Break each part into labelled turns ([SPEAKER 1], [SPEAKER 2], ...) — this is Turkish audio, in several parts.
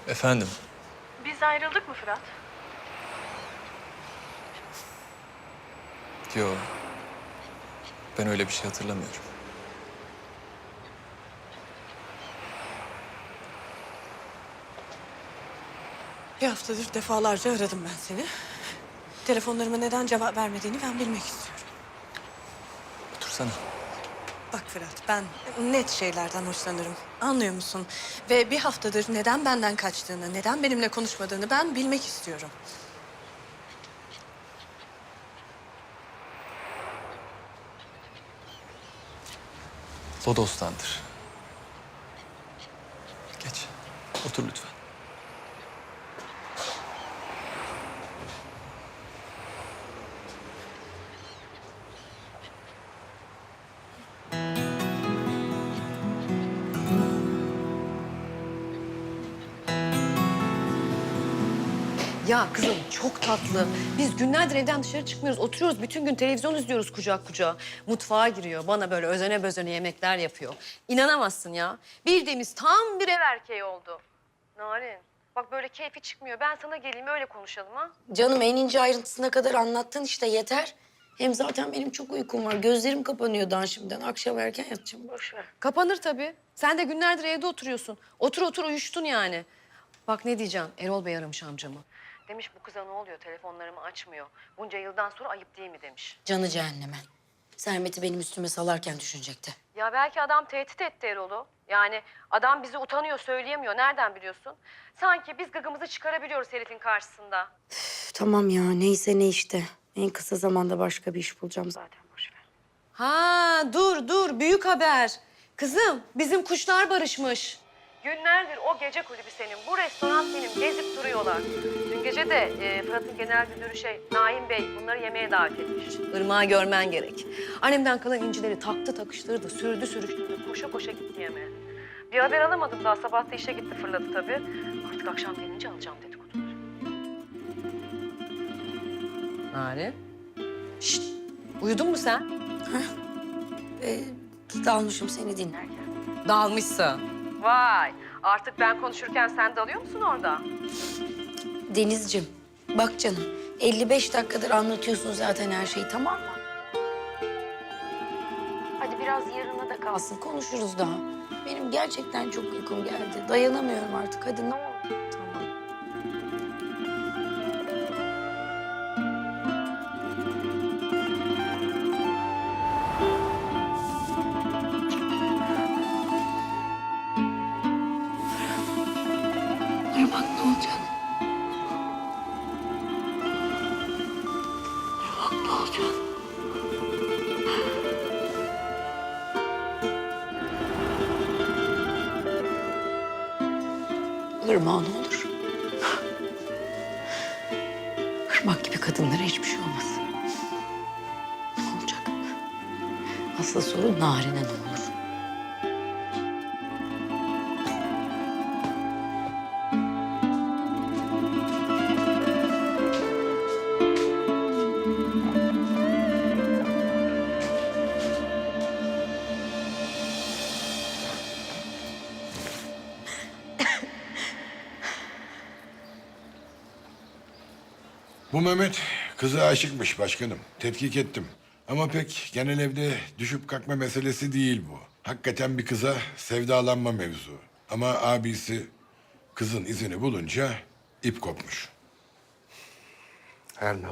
[SPEAKER 1] Efendim?
[SPEAKER 2] Biz ayrıldık mı Fırat?
[SPEAKER 1] Yo. Ben öyle bir şey hatırlamıyorum.
[SPEAKER 2] Bir haftadır defalarca aradım ben seni. Telefonlarıma neden cevap vermediğini ben bilmek istiyorum.
[SPEAKER 1] Otursana.
[SPEAKER 2] Bak Fırat, ben net şeylerden hoşlanırım. Anlıyor musun? Ve bir haftadır neden benden kaçtığını, neden benimle konuşmadığını ben bilmek istiyorum.
[SPEAKER 1] Lodos'tandır. Geç. Otur lütfen.
[SPEAKER 3] Ya kızım çok tatlı. Biz günlerdir evden dışarı çıkmıyoruz. Oturuyoruz bütün gün televizyon izliyoruz kucak kucağa. Mutfağa giriyor. Bana böyle özene bezene yemekler yapıyor. İnanamazsın ya. Bildiğimiz tam bir ev erkeği oldu. Narin bak böyle keyfi çıkmıyor. Ben sana geleyim öyle konuşalım ha.
[SPEAKER 4] Canım en ince ayrıntısına kadar anlattın işte yeter. Hem zaten benim çok uykum var. Gözlerim kapanıyor daha şimdiden. Akşam erken yatacağım. Boş ver.
[SPEAKER 3] Kapanır tabii. Sen de günlerdir evde oturuyorsun. Otur otur uyuştun yani. Bak ne diyeceğim. Erol Bey aramış amcamı. Demiş bu kıza ne oluyor? Telefonlarımı açmıyor. Bunca yıldan sonra ayıp değil mi demiş.
[SPEAKER 4] Canı cehenneme. Sermet'i benim üstüme salarken düşünecekti.
[SPEAKER 3] Ya belki adam tehdit etti Erol'u. Yani adam bizi utanıyor, söyleyemiyor. Nereden biliyorsun? Sanki biz gıgımızı çıkarabiliyoruz herifin karşısında.
[SPEAKER 4] Üf, tamam ya neyse ne işte. En kısa zamanda başka bir iş bulacağım zaten. Boş ver.
[SPEAKER 3] Ha dur büyük haber. Kızım bizim kuşlar barışmış. Günlerdir o gece kulübü senin, bu restoran benim gezip duruyorlar. Dün gece de Fırat'ın genel müdürü Naim Bey bunları yemeğe davet etmiş. Irmağı görmen gerek. Annemden kalan incileri taktı takıştırdı, sürdü sürüştürdü, koşa koşa gitti yemeğe. Bir haber alamadım daha, sabah da işe gitti fırladı tabii. Artık akşam gelince alacağım dedikoduları. Narin. Şşt, uyudun mu sen?
[SPEAKER 4] Dalmışım seni dinlerken.
[SPEAKER 3] Dalmışsın. Vay, artık ben konuşurken sen dalıyor musun orada?
[SPEAKER 4] Denizciğim bak canım 55 dakikadır anlatıyorsun zaten her şeyi tamam mı? Hadi biraz yarına da kalsın konuşuruz daha. Benim gerçekten çok uykum geldi. Dayanamıyorum artık hadi ne olur.
[SPEAKER 3] Tamam.
[SPEAKER 4] Bak ne olacak? Bak ne olacak? Irmak ne olur? Irmak gibi kadınlara hiçbir şey olmasın. Ne olacak? Asıl soru Narin'e ne olur?
[SPEAKER 5] Bu Mehmet kıza aşıkmış başkanım. Tetkik ettim. Ama pek genel evde düşüp kalkma meselesi değil bu. Hakikaten bir kıza sevdalanma mevzu. Ama abisi kızın izini bulunca ip kopmuş.
[SPEAKER 6] Her ne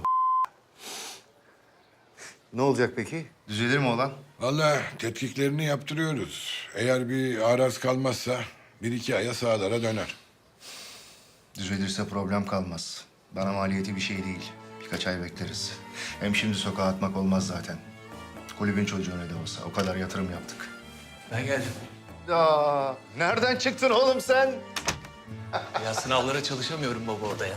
[SPEAKER 6] Ne olacak peki? Düzelir mi olan?
[SPEAKER 5] Vallahi tetkiklerini yaptırıyoruz. Eğer bir araz kalmazsa bir iki aya sağlara döner.
[SPEAKER 6] Düzelirse problem kalmaz. Bana maliyeti bir şey değil. Birkaç ay bekleriz. Hem şimdi sokağa atmak olmaz zaten. Kulübün çocuğu ne de olsa. O kadar yatırım yaptık.
[SPEAKER 1] Ben geldim.
[SPEAKER 6] Ya nereden çıktın oğlum sen?
[SPEAKER 1] Ya sınavlara çalışamıyorum baba odaya.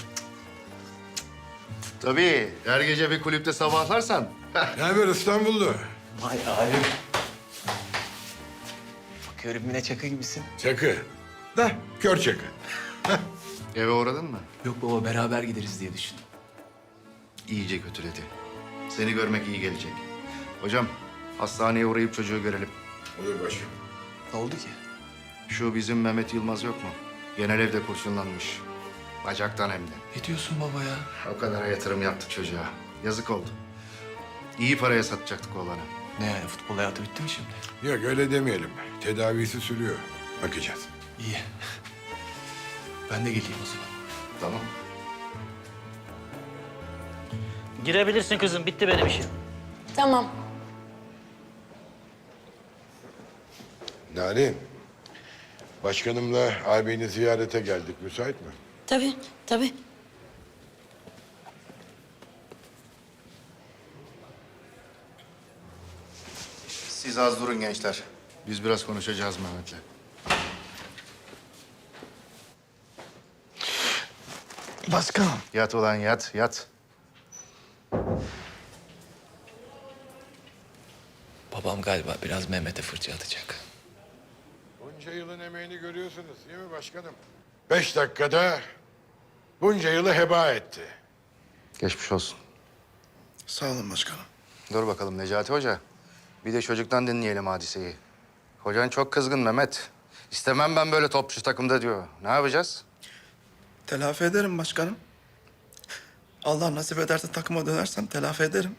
[SPEAKER 6] Tabii. Her gece bir kulüpte sabahlarsan.
[SPEAKER 5] Ne haber İstanbullu?
[SPEAKER 1] Vay abim. Bakıyorum yine çakı gibisin.
[SPEAKER 5] Çakı. Da kör çakı.
[SPEAKER 6] Eve uğradın mı?
[SPEAKER 1] Yok baba beraber gideriz diye düşündüm.
[SPEAKER 6] İyice kötüledi. Seni görmek iyi gelecek. Hocam hastaneye uğrayıp çocuğu görelim.
[SPEAKER 5] Olur başım.
[SPEAKER 1] Ne oldu ki?
[SPEAKER 6] Şu bizim Mehmet Yılmaz yok mu? Genel evde kurşunlanmış. Bacaktan hem de.
[SPEAKER 1] Ne diyorsun baba ya?
[SPEAKER 6] O kadar yatırım yaptık çocuğa. Yazık oldu. İyi paraya satacaktık oğlanı.
[SPEAKER 1] Ne yani, futbol hayatı bitti mi şimdi?
[SPEAKER 5] Yok öyle demeyelim. Tedavisi sürüyor. Bakacağız.
[SPEAKER 1] İyi. Ben de geleyim o zaman.
[SPEAKER 6] Tamam.
[SPEAKER 7] Girebilirsin kızım. Bitti benim işim.
[SPEAKER 4] Tamam.
[SPEAKER 5] Narin, başkanımla ağabeyini ziyarete geldik. Müsait mi?
[SPEAKER 4] Tabii, tabii.
[SPEAKER 6] Siz az durun gençler. Biz biraz konuşacağız Mehmet'le.
[SPEAKER 5] Başkanım.
[SPEAKER 6] Yat ulan yat, yat.
[SPEAKER 1] Babam galiba biraz Mehmet'e fırça atacak.
[SPEAKER 5] Bunca yılın emeğini görüyorsunuz değil mi başkanım? 5 dakikada bunca yılı heba etti.
[SPEAKER 6] Geçmiş olsun.
[SPEAKER 8] Sağ olun başkanım.
[SPEAKER 6] Dur bakalım Necati Hoca. Bir de çocuktan dinleyelim hadiseyi. Hocan çok kızgın Mehmet. İstemem ben böyle topçu takımda diyor. Ne yapacağız?
[SPEAKER 8] Telafi ederim başkanım. Allah nasip ederse takıma dönersem telafi ederim.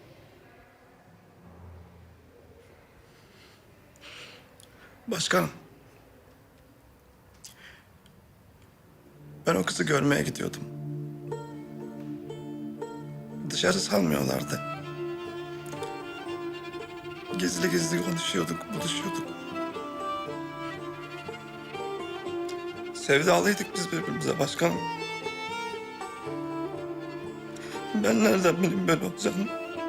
[SPEAKER 8] Başkanım. Ben o kızı görmeye gidiyordum. Dışarı salmıyorlardı. Gizli gizli konuşuyorduk, buluşuyorduk. Sevdalıydık biz birbirimize başkanım. Ben nereden bileyim böyle olacağını?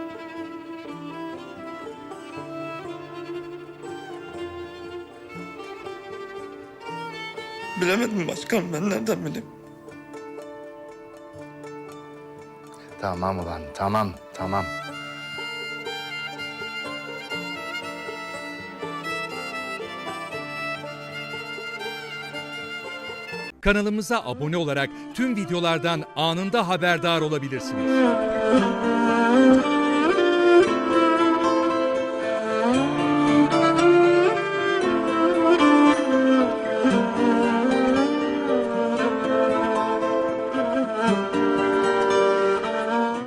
[SPEAKER 8] Bilemedim başkanım, ben nereden bileyim?
[SPEAKER 6] Tamam ulan, tamam, tamam.
[SPEAKER 9] Kanalımıza abone olarak tüm videolardan anında haberdar olabilirsiniz.